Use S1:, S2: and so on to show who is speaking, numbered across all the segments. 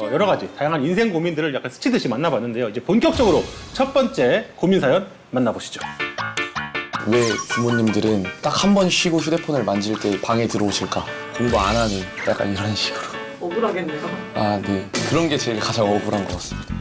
S1: 여러 가지 다양한 인생 고민들을 약간 스치듯이 만나봤는데요. 이제 본격적으로 첫 번째 고민 사연 만나보시죠.
S2: 왜 부모님들은 딱 한 번 쉬고 휴대폰을 만질 때 방에 들어오실까? 공부 안 하는 약간 이런 식으로.
S3: 억울하겠네요.
S2: 아, 네. 그런 게 제일 가장 억울한 것 같습니다.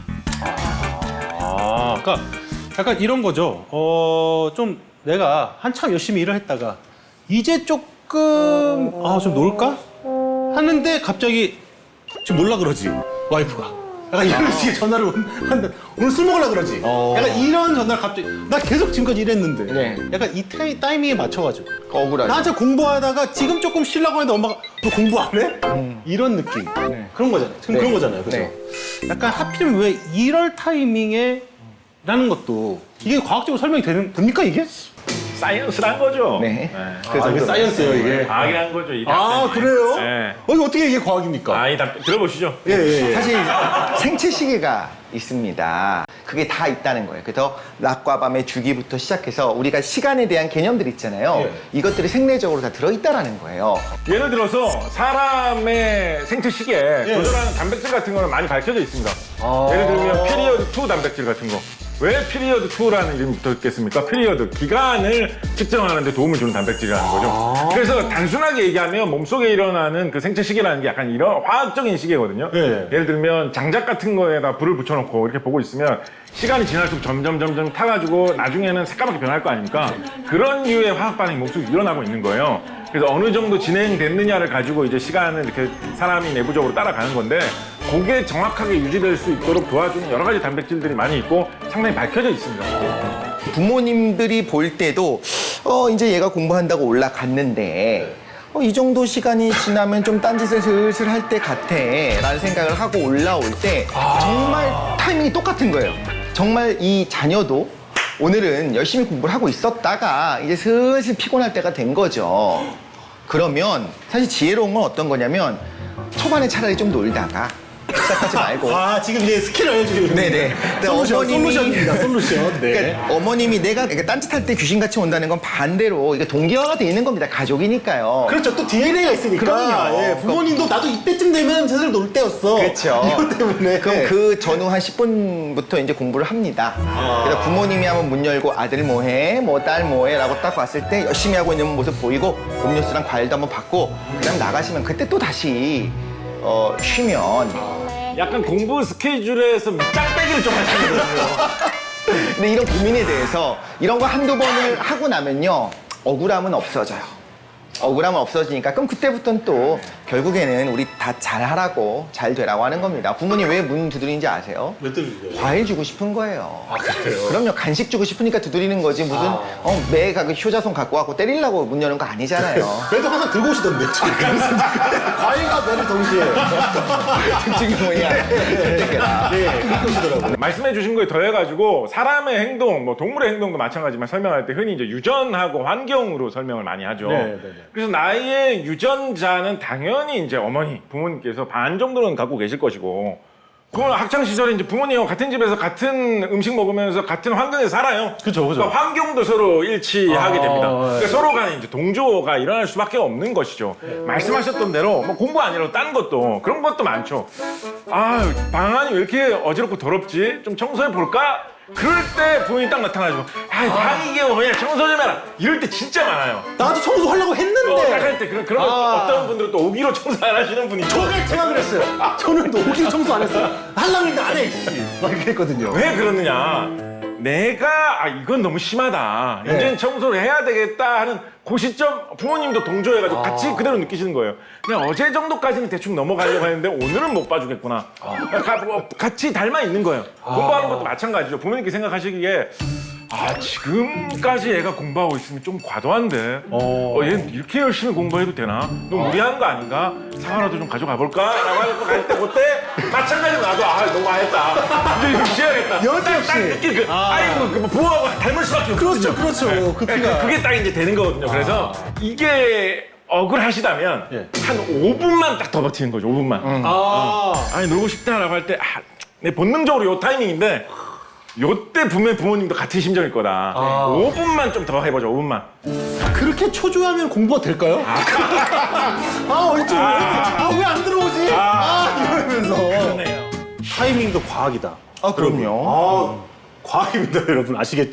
S1: 그러니까 약간 이런 거죠. 좀 내가 한참 열심히 일을 했다가 이제 조금 좀 놀까? 하는데 갑자기 지금 놀라 그러지 와이프가. 약간 이런 식의 전화를 한다. 오늘 술 먹으려 그러지. 약간 이런 전화를 갑자기 나 계속 지금까지 일했는데
S4: 네.
S1: 약간 이 타이밍에 맞춰가지고
S4: 억울하죠.
S1: 나 한참 공부하다가 지금 조금 쉬려고 하는데 엄마가 너 공부 안 해? 이런 느낌. 그런 거잖아요. 지금 그런 거잖아요. 그죠?
S4: 네.
S1: 약간 하필이면 왜 이럴 타이밍에 라는 것도 이게 과학적으로 설명이 됩니까 이게?
S5: 사이언스란 거죠.
S4: 네.
S1: 이게 사이언스예요 이게.
S5: 과학이란 거죠. 이
S1: 그래요?
S5: 네.
S1: 이거 어떻게 이게 과학입니까?
S5: 이 들어보시죠.
S1: 예.
S4: 사실 생체 시계가 있습니다. 그게 다 있다는 거예요. 그래서 낮과 밤의 주기부터 시작해서 우리가 시간에 대한 개념들 있잖아요. 이것들이 생리적으로 다 들어있다라는 거예요.
S5: 예를 들어서 사람의 생체 시계에 조절하는 단백질 같은 거는 많이 밝혀져 있습니다. 예를 들면 피리어드 2 단백질 같은 거. 왜 피리어드 2라는 이름이 붙었겠습니까? 피리어드, 기간을 측정하는 데 도움을 주는 단백질이라는 거죠. 그래서 단순하게 얘기하면 몸속에 일어나는 그 생체 시계라는 게 약간 이런 화학적인 시계거든요. 예를 들면 장작 같은 거에다 불을 붙여놓고 이렇게 보고 있으면 시간이 지날수록 점점 타가지고 나중에는 새까맣게 변할 거 아닙니까? 그런 류의 화학 반응이 몸속에 일어나고 있는 거예요. 그래서 어느 정도 진행됐느냐를 가지고 이제 시간을 이렇게 사람이 내부적으로 따라가는 건데 그게 정확하게 유지될 수 있도록 도와주는 여러 가지 단백질들이 많이 있고 상당히 밝혀져 있습니다.
S4: 부모님들이 볼 때도 이제 얘가 공부한다고 올라갔는데 이 정도 시간이 지나면 좀 딴짓을 슬슬 할 때 같아 라는 생각을 하고 올라올 때 정말 타이밍이 똑같은 거예요. 정말 이 자녀도 오늘은 열심히 공부를 하고 있었다가 이제 슬슬 피곤할 때가 된 거죠. 그러면 사실 지혜로운 건 어떤 거냐면 초반에 차라리 좀 놀다가 시작하지 말고
S1: 지금 이제 스킬을 알려주는
S4: 네네.
S1: 솔루션입니다. 솔루션. 네.
S4: 그러니까 어머님이 내가 이렇게 딴짓할 때 귀신같이 온다는 건 반대로 이게 동기화가 돼 있는 겁니다. 가족이니까요.
S1: 그렇죠. 또 DNA가 있으니까.
S4: 그럼요.
S1: 예, 부모님도 나도 이때쯤 되면 제대로 놀 때였어.
S4: 그렇죠.
S1: 이것 때문에.
S4: 그럼 그 전후 한 10분부터 이제 공부를 합니다. 그래서 부모님이 한번 문 열고 아들 뭐해? 뭐 딸 뭐해? 라고 딱 왔을 때 열심히 하고 있는 모습 보이고 음료수랑 과일도 한번 받고 그다음 나가시면 그때 또 다시 쉬면
S5: 약간 공부 스케줄에서 밑장빼기를 좀 하시거든요.
S4: 근데 이런 고민에 대해서 이런 거 한두 번을 하고 나면요 억울함은 없어져요. 억울함은 없어지니까 그럼 그때부터는 또 결국에는 우리 다 잘하라고 잘 되라고 하는 겁니다. 부모님 왜 문 두드리는지 아세요?
S1: 몇 들리죠?
S4: 과일 주고 싶은 거예요.
S1: 그래요?
S4: 그럼요. 간식 주고 싶으니까 두드리는 거지 무슨 매가 그 효자손 갖고 와고 때리려고 문 여는 거 아니잖아요.
S1: 그래도 항상 들고 오시던데. 과일과 매를 동시에.
S4: 솔직히 뭐냐. 선택해라.
S1: 들고 오시더라고요.
S5: 말씀해 주신 거에 더해가지고 사람의 행동, 뭐 동물의 행동도 마찬가지지만 설명할 때 흔히 이제 유전하고 환경으로 설명을 많이 하죠.
S1: 네.
S5: 그래서 나의 유전자는 당연히 이제 어머니, 부모님께서 반 정도는 갖고 계실 것이고, 그건 학창 시절에 이제 부모님하고 같은 집에서 같은 음식 먹으면서 같은 환경에서 살아요.
S1: 그죠.
S5: 그러니까 환경도 서로 일치하게 됩니다. 그러니까 서로 간에 이제 동조가 일어날 수밖에 없는 것이죠. 말씀하셨던 대로 뭐 공부 아니라도 딴 것도 그런 것도 많죠. 방안이 왜 이렇게 어지럽고 더럽지? 좀 청소해 볼까? 그럴 때 부모님이 딱 나타나지고 방 이게 뭐냐 청소 좀 해라 이럴 때 진짜 많아요.
S1: 나도 청소하려고 했는데.
S5: 딱 할 때 그런 어떤 분들은 또 오기로 청소 안 하시는 분이
S1: 저는 제가 그랬어요. 저는 오기 청소 안 했어요. 하려고 했는데 안 해. 막 이렇게 했거든요.
S5: 왜 그러느냐? 내가 이건 너무 심하다. 이제는 청소를 해야 되겠다 하는 그 시점 부모님도 동조해가지고 같이 그대로 느끼시는 거예요. 그냥 어제 정도까지는 대충 넘어가려고 했는데 오늘은 못 봐주겠구나. 같이 닮아 있는 거예요. 공부하는 것도 마찬가지죠. 부모님께 생각하시기에 지금까지 애가 공부하고 있으면 좀 과도한데 얘는 이렇게 열심히 공부해도 되나? 너무 무리한 거 아닌가? 사과라도 좀 가져가 볼까? 라고 해서 갈 때 그때 마찬가지로 나도 너무 아했다. 이제 이거 쉬어야겠다.
S1: 여지없이.
S5: 딱 느끼는 그 부모하고 닮을 수밖에 없거든요.
S1: 그렇죠. 그 피가.
S5: 그게 딱 이제 되는 거거든요. 그래서 이게 억울하시다면 한 5분만 딱 더 버티는 거죠. 5분만. 아니 놀고 싶다라고 할 때 내 본능적으로 요 타이밍인데 요때 부모님도 같은 심정일 거다. 5분만 좀 더 해보자. 5분만.
S1: 그렇게 초조하면 공부가 될까요? 얼른 왜 안 들어오지? 이러면서.
S5: 그러네요.
S1: 타이밍도 과학이다.
S4: 아, 그럼요.
S1: 과학입니다, 여러분. 아시겠죠?